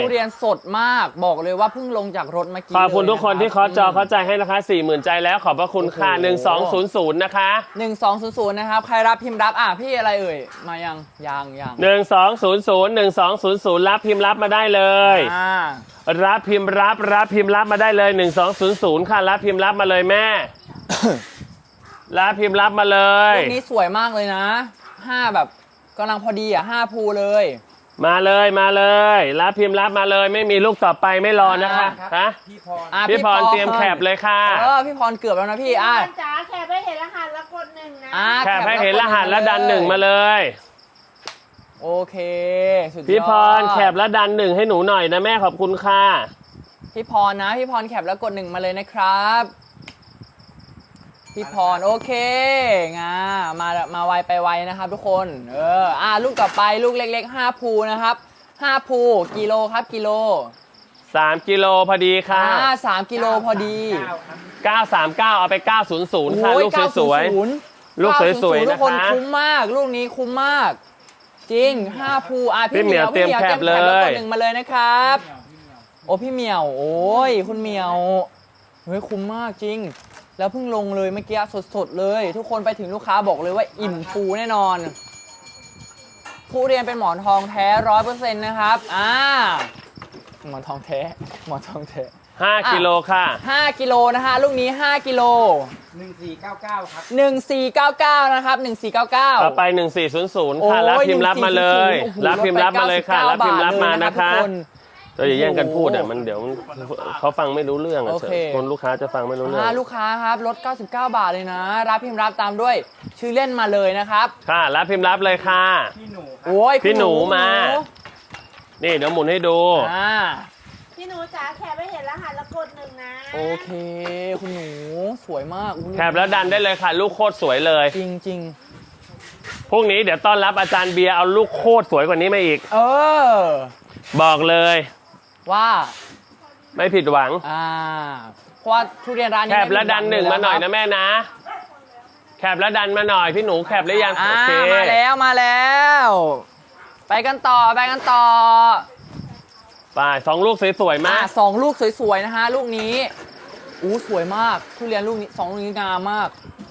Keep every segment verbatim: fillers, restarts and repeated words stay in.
ทุเรียนสดมากบอกเลยว่าเพิ่งลงจากรถเมื่อกี้ขอบคุณทุกคนที่เคาะจอเข้าใจให้นะคะ สี่หมื่น ใจแล้วขอบพระคุณค่ะหนึ่งสองศูนย์ศูนย์นะคะหนึ่งสองศูนย์ศูนย์นะครับใครรับพิมพ์รับอ่ะพี่อะไรเอ่ยมายังยังยังหนึ่งสองศูนย์ศูนย์ หนึ่งสองศูนย์ศูนย์รับพิมพ์รับมาได้เลยอ่ารับพิมพ์รับรับพิมพ์รับมาได้เลยหนึ่งสองศูนย์ศูนย์ค่ะรับพิมพ์รับมาเลยแม่ รับพิมพ์รับมาเลยลูกนี้สวยมากเลยนะห้าแบบกำลังพอดีอ่ะห้าภูเลยมาเลยมาเลยรับพิมพ์รับมาเลยไม่มีลูกต่อไปไม่รอนะคะฮะพี่พรพี่พรเตรียมแคปเลยค่ะเออพี่พรเกือบแล้วนะพี่อ่ะจ๋าแคปให้เห็นรหัสแล้วกดหนึ่งนะแคปให้เห็นรหัสแล้วดันหนึ่งมาเลยโอเคสุดยอดพี่พรแคปแล้วดันหนึ่งให้หนูหน่อยนะแม่ขอบคุณค่ะพี่พรนะพี่พรแคปแล้วกดหนึ่งมาเลยนะครับพี่พรโอเคงามามาไวไปไวนะครับทุกคนเอออ่าลูกต่อไปลูกเล็กๆห้าภูนะครับห้าภูกิโลครับกิโลสามกิโลพอดีค่ะอ่าสามกิโลพอดีเก้าสามเก้าเอาไปเก้าศูนย์ศูนย์ค่ะลูกสวยๆลูกสวยๆนะคะทุกคนคุ้มมากลูกนี้คุ้มมากจริงห้าภูอ่ะพี่เหมียวเตรียมแคปเลยแล้วกดหนึ่งมาเลยนะครับโอ้พี่เหมียวโอ้ยคุณเหมียวเฮ้ยคุ้มมากจริงแล้วเพิ่งลงเลยเมื่อกี้สดๆเลยทุกคนไปถึงลูกค้าบอกเลยว่าอิ่มฟูแน่นอนทุเรียนเป็นหมอนทองแท้ร้อยเปอร์เซ็นต์นะครับอ่าหมอนทองแท้หมอนทองแท้ห้ากิโลค่ะห้ากิโลนะฮะลูกนี้ห้ากิโลหนึ่งสี่เก้าเก้าครับหนึ่งสี่เก้าเก้านะครับหนึ่งสี่เก้าเก้าต่อไปหนึ่งสี่ศูนย์ศูนย์ค่ะรับพิมพ์รับมาเลยรับพิมพ์รับมาเลยค่ะรับพิมพ์รับมานะคะเราอย่าแย่งกันพูดอ่ะมันเดี๋ยวเขาฟังไม่รู้เรื่องอ่ะคนลูกค้าจะฟังไม่รู้เรื่องลูกค้าครับลดเก้าสิบเก้าบาทเลยนะรับพิมพ์รับตามด้วยชื่อเล่นมาเลยนะครับค่ะรับพิมพ์รับเลยค่ะพี่หนูโอ้ยพี่หนูมานี่เดี๋ยวหมุนให้ดูอ่าพี่หนูจ๋าแคปให้เห็นรหัสแล้วกดหนึ่งนะโอเคคุณหนูสวยมากแคปแล้วดันได้เลยค่ะลูกโคตรสวยเลยจริงจริงพรุ่งนี้เดี๋ยวต้อนรับอาจารย์เบียร์เอาลูกโคตรสวยกว่านี้มาอีกเออบอกเลยว่าไม่ผิดหวังอ่าเพราะว่าทุเรียนร้านนี้แคปแล้วดันหนึ่งมาหน่อยนะแม่นะแคปแล้วดันมาหน่อยพี่หนูแคปหรือยังโอเคมาแล้วมาแล้วไปกันต่อไปกันต่อไปสองลูกสวยๆมากสองลูกสวยๆนะฮะลูกนี้อู้สวยมากทุเรียนลูกนี้สองลูกนี้งามมาก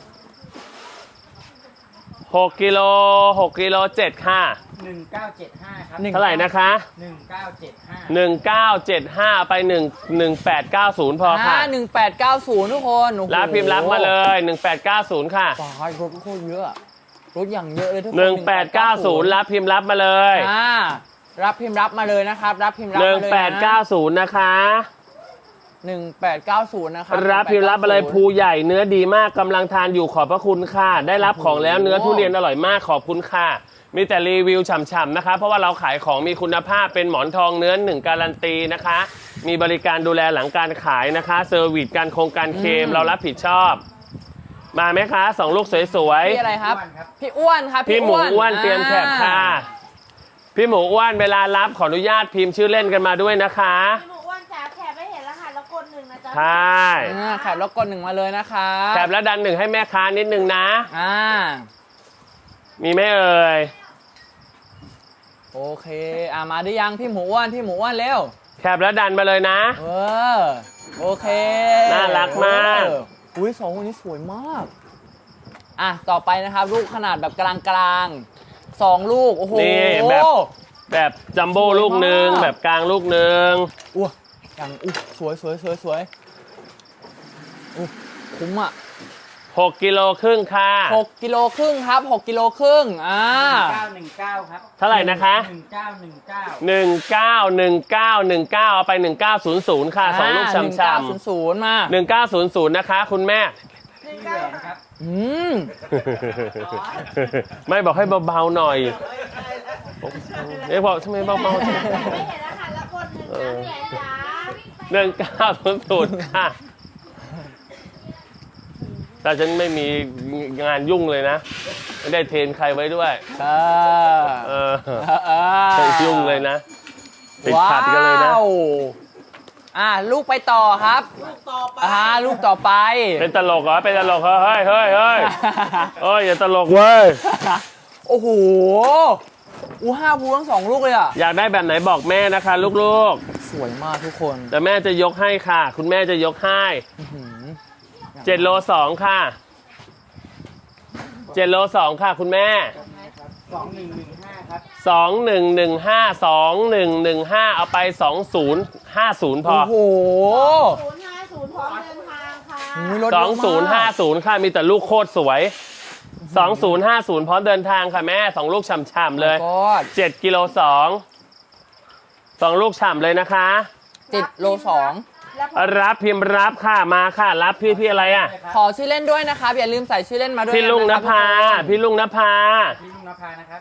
หกกิโลหกกิโลเจ็ดค่ะหนึ่งเก้าเจ็ดห้าครับเท่าไหร่นะคะหนึ่งเก้าเจ็ดห้าหนึ่งเก้าเจ็ดห้าไปหนึ่งหนึ่งแปดเก้าศูนย์พอค่ะหนึ่งแปดเก้าศูนย์ทุกคนรับพิมพ์รับมาเลยหนึ่งแปดเก้าศูนย์ค่ะฟ้ารถโคตรเยอะรถอย่างเยอะเลยทุกคนหนึ่งแปดเก้าศูนย์รับพิมพ์รับมาเลยอ่ารับพิมพ์รับมาเลยนะครับรับพิมพ์รับมาเลยหนึ่งแปดเก้าศูนย์นะคะหนึ่งแปดเก้าศูนย์นะครับรับพิมพ์รับมาเลยภูใหญ่เนื้อดีมากกำลังทานอยู่ขอบพระคุณค่ะได้รับของแล้วเนื้อทุเรียนอร่อยมากขอบคุณค่ะมีแต่รีวิวฉ่ำๆนะคะเพราะว่าเราขายของมีคุณภาพเป็นหมอนทองเนื้อหนึ่งการันตีนะคะมีบริการดูแลหลังการขายนะคะเซอร์วิสการโครงการเคลมเรารับผิดชอบมาไหมคะสองลูกสวยๆพี่อะไรครับพี่อ้วนครับพี่หมูอ้วนเตรียมแคปค่ะพี่หมูอ้วนเวลารับขออนุญาตพิมพ์ชื่อเล่นกันมาด้วยนะคะพี่หมูอ้วนจ๋าแคปให้เห็นรหัสแล้วกดหนึ่งนะจ๊ะใช่แคปแล้วกดหนึ่งมาเลยนะคะแคปแล้วดันหนึ่งให้แม่ค้านิดนึงนะอ่ามีไหมเอ่ยโอเคอ่ามาได้ยังพี่หมูอ้วนพี่หมูอ้วนเร็วแคปแล้วดันมาเลยนะเออโอเคน่ารักมากอุ้ยสองคนนี้สวยมากอ่ะต่อไปนะครับลูกขนาดแบบกลางๆสองลูกโอ้โหนี่แบบแบบจัมโบ้ลูกหนึ่งแบบกลางลูกหนึ่งอู้อย่างอู้สวยสวยสวยสวยอู้คุ้มอ่ะหกกิโลครึ่งค่ะหกกิโลครึ่งครับหกกิโลครึ่งอ่าเก้าหนึ่งเก้าครับเท่าไหร่นะคะหนึ่งเก้าหนึ่งเก้าหนึ่งเก้าหนึ่งเก้าหนึ่งเก้าเอาไปหนึ่งเก้าศูนย์ศูนย์ค่ะสองลูกช้ำๆหนึ่งเก้าศูนย์ศูนย์มาหนึ่งเก้าศูนย์ศูนย์นะคะคุณแม่หนึ่งเก้าครับอืมไม่บอกให้เบาๆหน่อยเอ๊ะบอกทำไมเบาๆไม่เห็นรหัสแล้วกดหนึ่งนะหนึ่งเก้าศูนย์ศูนย์ค่ะแต่ฉันไม่มีงานยุ่งเลยนะไม่ได้เทรนใครไว้ด้วยเออยุ่งเลยนะติดขัดกันเลยนะอ่าลูกไปต่อครับลูกต่อไปอ่าลูกต่อไปเป็นตลกเหรอเป็นตลกเหรอเฮ้ยเฮ้ยเฮ้ยเฮ้ยอย่าตลกเว้ยโอ้โหอู้ห้าภูทั้งสองลูกเลยอ่ะอยากได้แบบไหนบอกแม่นะคะลูกสวยมากทุกคนๆแต่แม่จะยกให้ค่ะ คุณแม่จะยกให้อื้อหือเจ็ดโลสองค่ะเจ็ดโลสองค่ะ คุณแม่สองหนึ่งหนึ่งห้าครับสองหนึ่งหนึ่งห้าสองหนึ่งหนึ่งห้าเอาไปสองศูนย์ห้าศูนย์พอโอ้โหศูนย์ห้าศูนย์พร้อมเดินทางค่ะอุ๊ยรถสเยองอะมากศูนย์ห้าศูนย์ค่ะมีแต่ลูกโคตรสวยสองศูนย์ห้าศูนย์พร้อมเดินทางค่ะแม่สองลูกฉ่ำๆเลยก็เจ็ดกิโลสองสองลูกฉ่ำเลยนะคะเจ็ดโลสองแล้วพอรับพิมพ์รับค่ะมาค่ะ รับพี่พี่อะไรอ่ะขอชื่อเล่นด้วยนะครับอย่าลืมใส่ชื่อเล่นมาด้วยพี่ลุงนนะภาครับพี่ลุงนภาพี่ลุงนภานะครับ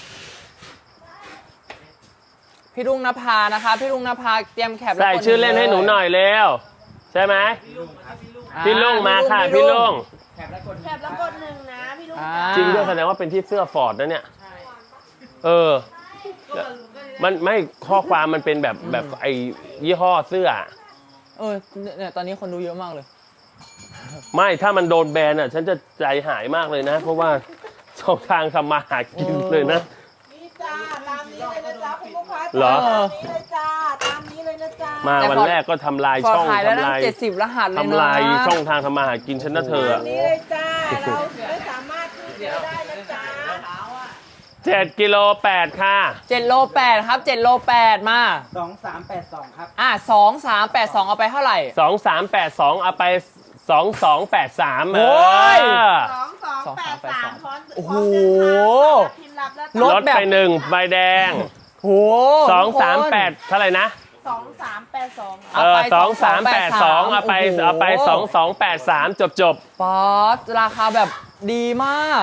พี่ลุงนภานะครับพี่ลุงนภาเตรียมแคปแล้วใส่กดชื่อเล่นให้หนูหน่อยเร็วใช่ไหมพี่ลุงครับอ่าพี่ลุงมาค่ะพี่ลุงแคปแล้วกดแคปแล้วกดหนึ่งนะพี่ลุงอ่าจริงด้วยแสดงว่าเป็นที่เสื้อฟอร์ดนะเนี่ยใช่เออ มันไม่ข้อความมันเป็นแบบแบบไอ้ยี่ห้อเสื้อเออเนี่ยตอนนี้คนดูเยอะมากเลยไม่ถ้ามันโดนแบนอ่ะ ฉันจะใจหายมากเลยนะ เพราะว่าช่องทางทำมาหากินเลยนะนี่จ้าตามนี้เลยนะจ๊ะคุณลูกค้าเหรอตามนี้เลยจ้าตามนี้เลยนะจ๊ะมาวันแรกก็ทำลายพอช่องขายแล้วทำตั้งลายเจ็ดสิบรหัสเลยนะทำลายช่องทางทำมาหากินฉันนะเธอตาอะมนี้เลยจ้าเราไม่สามารถที่จะได้นะจ๊ะเจ็ดกิโลแปดค่ะเจ็ดโลแปดครับเจ็ดโลแปดมาสองสามแปดสองครับอ่ะสองสามแปดสองเอาไปเท่าไหร่สองสามแปดสองเอาไปสองสองแปดสามโอ้ยสองสองแปดสามพร้อมโอ้โหพิมพ์รับแล้วรลถดแบบไปหนึ่งใบแดงโหสองทุกคนสามแปดเท่าไหร่นะสองสามแปดสองเออสองสามแปดสองเอาไปโอ้โหเอาไปสองสองแปดสามจบจบป๊อปราคาแบบดีมาก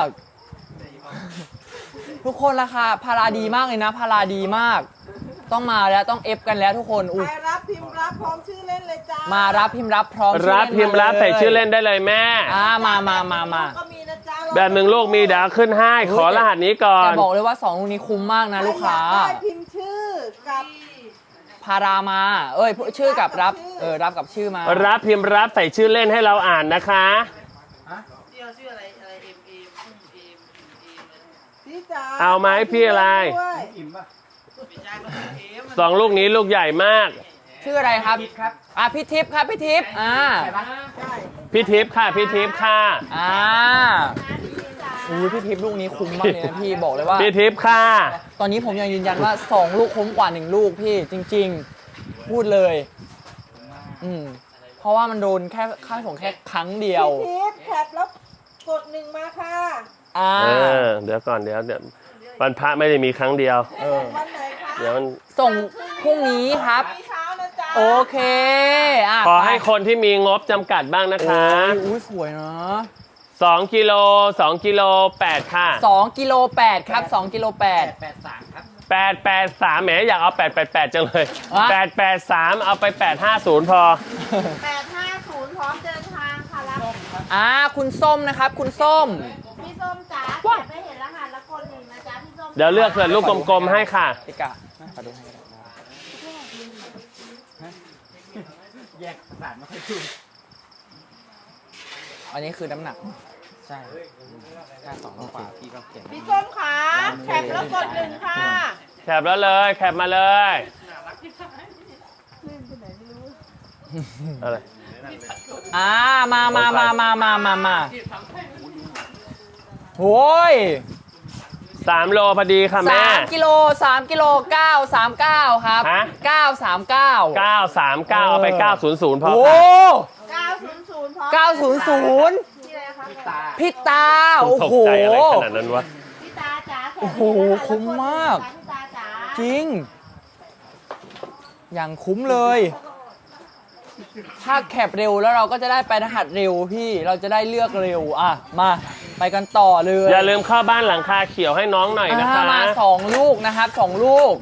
ทุกคนราคาพาราดีมากเลยนะ พาราดีมาก ต้องมาแล้วต้องเอฟกันแล้วทุกคนอุ้ยใครรับพิมพ์รับพร้อมชื่อเล่นเลยจ้ามามารับพิมพ์รับพร้อมรับพิมพ์รับใส่ชื่อเล่นได้เลยแม่อ่ามามามามาก็มีนะจ๊ะแบบหนึ่งลูกมีเดี๋ยวขึ้นให้ขอรหัสนี้ก่อแต่นบอกเลยว่าสองลูกนี้คุ้มมากนะลูกค้าใรอยได้พิมพ์ชื่อกับพารามา เอ้ยชื่อกับรับเออรับกับชื่อมารับพิมพ์รับใส่ชื่อเล่นให้เราอ่านนะคะพี่จ๋าเอาไหมพี่อะไรด้วยอิ่มป่ะสองลูกนี้ลูกใหญ่มากชื่ออะไรครับคิดครับอ่ะพี่ทิพย์ครับพี่ทิพย์อ่าใช่ปะใช่พี่ทิพย์ค่ะพี่ทิพย์ค่ะอ่าอู้พี่ทิพย์ลูกนี้คุ้มมากเลยนะพี่บอกเลยว่าพี่ทิพย์ค่ะตอนนี้ผมยังยืนยันว่าสองลูกคุ้มกว่าหนึ่งลูกพี่จริง ๆ พูดเลย อืมเพราะว่ามันโดนแค่ค่าส่งแค่ครั้งเดียวพี่ทิพย์แคปแล้วกดหนึ่งมาค่ะอ่าเออเดี๋ยวก่อนเดี๋ยวเดี๋ยววันพระไม่ได้มีครั้งเดียวเออวันไหนคะเดี๋ยวมันส่งพรุ่งนี้ครับพี่เช้านะจ๊ะโอเคอ่ะขอให้ไปคนที่มีงบจำกัดบ้างนะคะโอ้ยอุ้ยสวยนะสองกิโลสองกิโลแปดค่ะสองกิโลแปดครับสองกิโลแปแปดดแปดสามครับแปดแปดสามแหมอยากเอาแปดแปดแปดจังเลยอ่ะแปดแปดสามเอาไปแปดห้าศูนย์พอแปดห้าศูนย์พร้อมเดินทางค่ะรับอ่าคุณส้มนะครับ คุณส้มพี่ส้มจ๋าแคปไม่เห็นรหัสแล้วกดหนึ่งนะจ๊ะพี่ส้มเดี๋ยวเลือกเกิดลูกกลมๆให้ค่ะติกะขอดูให้ก็ได้แยกสารมาให้ดูอันนี้คือน้ำหนักใช่ถ้าสองลูกกว่าพี่ก็เก่งพี่ส้มขาแคปแล้วกดหนึ่งค่ะแคปแล้วเลย แคปมาเลย อะไรอ่ามามามามามามามาโอ้ยสามโลพอดีค่ะแม่สามกิโลสามกิโลเก้าสามเก้าครับฮะเก้าสามเก้าเก้าสามเก้าเอาไปเก้าศูนย์ศูนย์พอโอ้ค่ะเก้าศูนย์ศูนย์พร้อมเก้าศูนย์ศูนย์พี่อะไรคะตาพี่ตา โอ้ตกโหใจอะไรขนาดนั้นวะพี่ตาจ๋าแคปโอ้โหไม่เนรหัสคุ้มมากพี่ตาจ๋าจริง อย่างคุ้มเลย ถ้าแคปเร็วแล้วเราก็จะได้ไปรหัสเร็วพี่เราจะได้เลือกเร็วอ่ะมาไปกันต่อเลยอย่าลืมเข้าบ้านหลังคาเขียวให้น้องหน่อยนะคะอ่ามาสองลูกนะครับสองลูก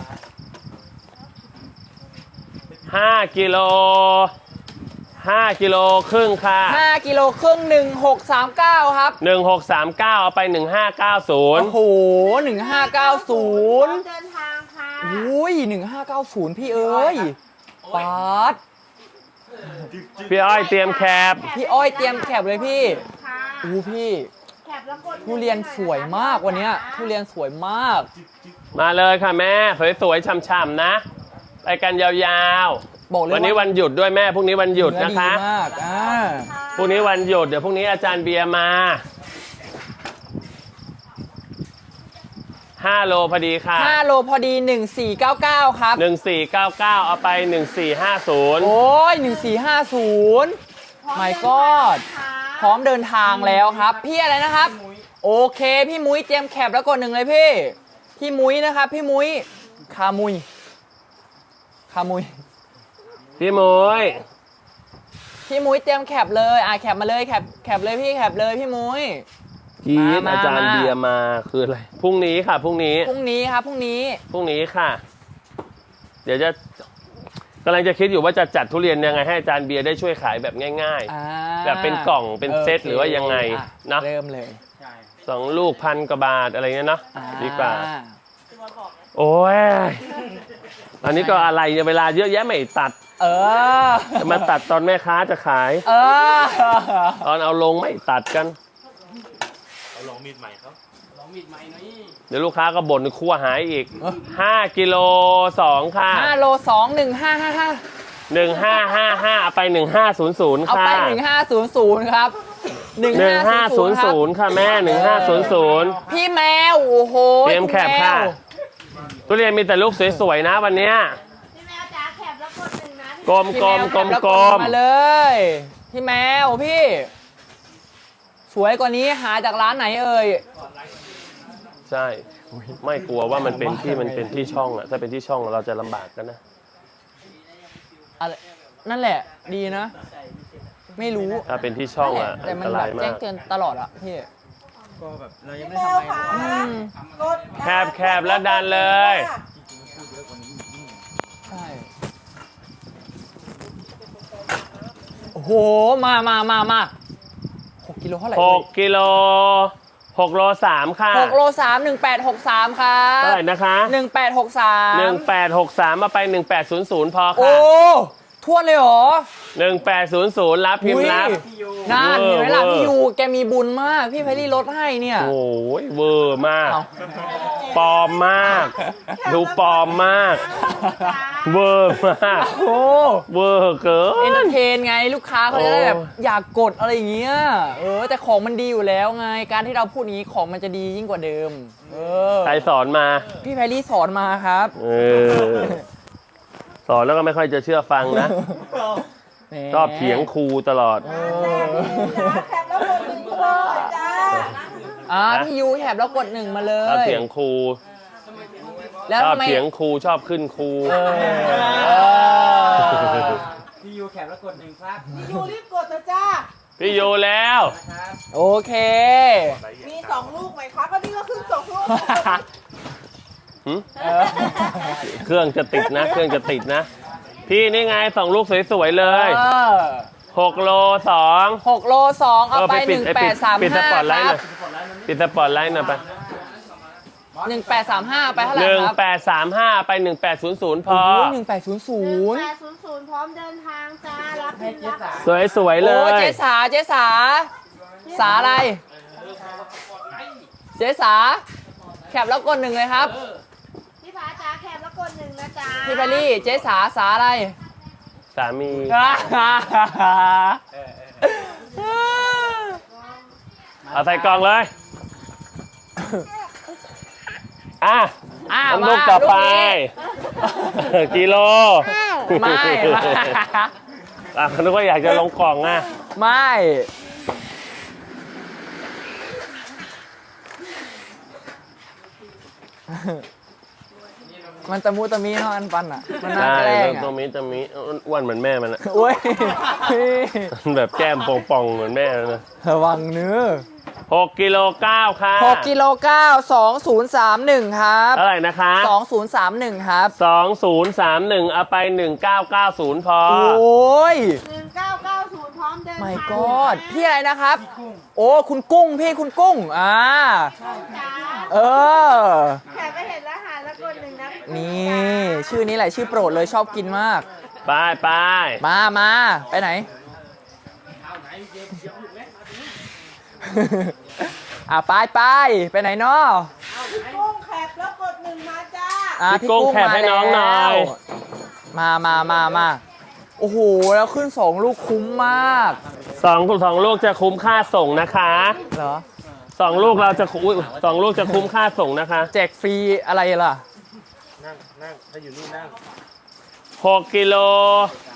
ห้ากิโลห้ากิโลครึ่งค่ะห้ากิโลครึ่งหนึ่งหกสามเก้าครับหนึ่งหกสามเก้าเอาไปหนึ่งห้าเก้าศูนย์โอ้โหหนึ่งห้าเก้าศูพร้อนย์มเดินทางค่ะอุ้ยหนึ่งห้าเก้าศูนย์พี่เอ้ยป๊าดพี่อ้อยเตรียมแคปพี่อ้อยเตรียมแคปเลยพี่ค่ะอู้พี่แคปปแล้วกดทุเรียนสวยมากวันเนี้ยทุเรียนสวยมากมาเลยค่ะแม่สวยๆฉ่ำๆนะไปกันยาวบอกเลๆยวันนี้วันหยุดด้วยแม่พรุ่งนี้วันหยุดเนื้อนะคะดีมากอ่าพรุ่งนี้วันหยุดเดี๋ยวพรุ่งนี้อาจารย์เบียร์มาห้าโลพอดีค่ะห้าโลพอดีหนึ่งสี่เก้าเก้าครับหนึ่งสี่เก้าเก้าเอาไปหนึ่งสี่ห้าศูนย์โอ้ยหนึ่งสี่ห้าศูนย์ my god พร้อมเดินทางแล้วครับ พี่อะไรนะครับ โอเค พี่มุ้ยเตรียมแคปแล้วกดหนึ่งเลยพี่ พี่มุ้ยนะครับ พี่มุ้ยคามุยคามุยพี่มวยพี่มุ้ยเตรียมแคปเลยอ่ะแคปมาเลยแคปแคปเลยพี่แคปเลยพี่มุ้ยกีดมาอาจารย์มาเบียร์มาคืออะไรพรุ่งนี้ค่ะพรุ่งนี้พรุ่งนี้ครับพรุ่งนี้พรุ่งนี้ค่ะ เดี๋ยวจะกำลังจะคิดอยู่ว่าจะจัดทุเรียนยังไงให้อาจารย์เบียร์ได้ช่วยขายแบบง่ายอ่าแบบเป็นกล่องเป็นเซตโคหรือว่ายังไงอ่นะเริ่มเลยใช่ๆสองลูกพันกว่าบาทอะไรเงี้ยเนาะอ่ดีกว่า โอ้ยอันนี้ก็อะไรเนี่ยเวลาเยอะแยะไม่ตัดเออจะมาตัดตอนแม่ค้าจะขายเออตอนเอาลงไม่ตัดกันเอาลองมีดใหม่เขาลองมีดใหม่หน่อยเดี๋ยวลูกค้าก็บ่นคั่วหายอีกห้ากิโลสองค่ะห้าโลสองหนึ่งห้าห้าห้าหนึ่งห้าห้าห้าเอาไปหนึ่งห้าศูนย์ศูนย์เอาค่ะไปหนึ่งห้าศูนย์ศูนย์ครับหนึ่งหนึ่งห้าห้าศูศูนนย์ย์ศูศูนนย์ย์ค่ะแม่หนึ่งห้าศูนย์ศูนย์พี่แมวโอ้โหเตรียมแคปค่ะณแมวทุเรียนมีแต่ลูกสวยๆนะวันเนี้ยพี่แมวจ๋าแคปแล้วกดหนึ่งนะกลมพี่กลแมมวกลมแคปแล้วกลมมาเลย พี่แมวพี่ สวยกว่านี้หาจากร้านไหนเอ่ยใช่ไม่กลัวว่ามันเป็นที่มันเป็นที่ช่องอะถ้าเป็นที่ช่องเราจะลำบากกันนะอะไรนั่นแหละดีนะ ไม่รู้ถ้าเป็นที่ช่องอะแต่อันมัตนแบรายบมาแจ้งกเตือนตลอดอะพี่ก็แบบเรายังพี่ไม่แมได้วทำอะไรค่ะอืมกดแคบแคบแล้วดันเลยใช่ โอ้โห มามามามาหกกิโลเท่าไหร่หกกิโลหกโลสามค่ะหกโลสามหนึ่งแปดหกสามครับเท่าไหร่นะคะหนึ่งแปดหกสามหนึ่งแปดหกสามมาไปหนึ่งแปดศูนย์ศูนย์พอโอ้ค่ะทวนเลยเหรอหนึ่งแปดศูนย์ศูนย์รับพิมพ์รับอุ้ยน่าเห็นไหมล่ะเวอร์พี่ยูแกมีบุญมาก พี่ไพรี่ลดให้เนี่ยโอ้ยเวอร์มากเอาปลอมมาก ดูปลอมมาก เวอร์มากโอ้เวอร์เกิเอนเตอน ร์เทนไงลูกค้าเขาจะได้แบบโอ้อยากกดอะไรอย่างเงี้ย เออ แต่ของมันดีอยู่แล้วไง การที่เราพูดอย่างนี้ของมันจะดียิ่งกว่าเดิม เออใครสอนมาพี่ไพรี่สอนมาครับเออ สอนแล้วก็ไม่ค่อยจะเชื่อฟังนะแหมชอบเถียงครูตลอดเอจ๋าอแคปแล้วกดหนึ่งเลยจ้าอ่าพี่ยูแถบแล้วกดหนึ่งมาเลชอบยเถียงครูแล้วชอบทำไมเถียงครูชอบขึ้นครูเออพี่ยูแคปแล้วกดหนึ่งครับพี่ยูรีบกดเถอะจ้าพี่โยแล้วนะครับโอเคมีสองลูกไหมคะก็นี่ก็ขึ้นสองลูกหึเออเครื่องจะติดนะ เครื่องจะติดนะ พี่นี่ไงสองลูกสวยๆเลยเออหกโลสองหกโลสองเอาไปเออไปหปิดนึ่งไอ้แปปิดดสามปิดสห้าปอตไลท์คหน่รัอบ ยปิดสปอตไลท์หน่อยไปหนึ่งแปดสามห้าไปเท่าไหร่หนึ่งครับแปดสามห้าไปหนึ่งแปดศูนย์ศูนย์พโอ้อโหหนึ่งแปดศูนย์ศูหนึ่งนย์แปดศูนย์ศูนย์พร้อมเดินทางจ้า รับพิมพ์รับสวยๆเลโอ้ยเจ๊สาเจ๊สา สาอะไร เจ๊สา แคปแล้วกดหนึ่งเลยครับพี่ผาจ๋าแคปแล้วกดหนึ่งนะจ้าพี่พารี่เจ๊สาสาอะไรสามี เอาใส่กล่องเลย อ่ะอ่ะน้ำมาลูกต่อไปลูกนี้กิโลไม่ไม่อ่ะนึกว่าอยากจะลงกล่องอ่ะไม่ มันตะมูตะมีเนาะอันปันอ่ะ มันน่าใช่แกล้งตรอ่ะงนี้ตรงนี้อ้วนเหมือนแม่มันอะโอ้ยแบบแก้มป่องๆเหมือนแม่เลยนะระวังเนื้อหกกิโลเก้าค่ะหกกิโลเก้าสองศูนย์สามหนึ่งครับเท่าไหร่นะคะสองศูนย์สามหนึ่งครับสองศูนย์สามหนึ่งเอาไปหนึ่งเก้าเก้าศูนย์พอโอ้ยหนึ่งเก้าเก้าศูนย์พร้อมเดินทาง my god พี่อะไรนะครับ โอ้ คุณกุ้ง พี่คุณกุ้ง อ่าจ้าเออแคปไปเห็นรหัสแล้วกดหนึ่งนะนี่ ชื่อนี้แหละชื่อโปรดเลยชอบกินมากไปไปมามา ไปไหนอ่ะไปไปไปไหนเนาะกุ้งแคบแล้วกดหนึ่งมาจ้าอ่ะพี่กุ้งแคปให้น้องหน่อยมามามามาโอ้โหแล้วขึ้นสองลูกคุ้มมากสองสองลูกจะคุ้มค่าส่งนะคะเหรอสองลูกเราจะอุ้ยสองลูกจะคุ้มค่าส่งนะคะแจกฟรีอะไรล่ะนั่งนั่งถ้าอยู่นี่นั่งหกกิโล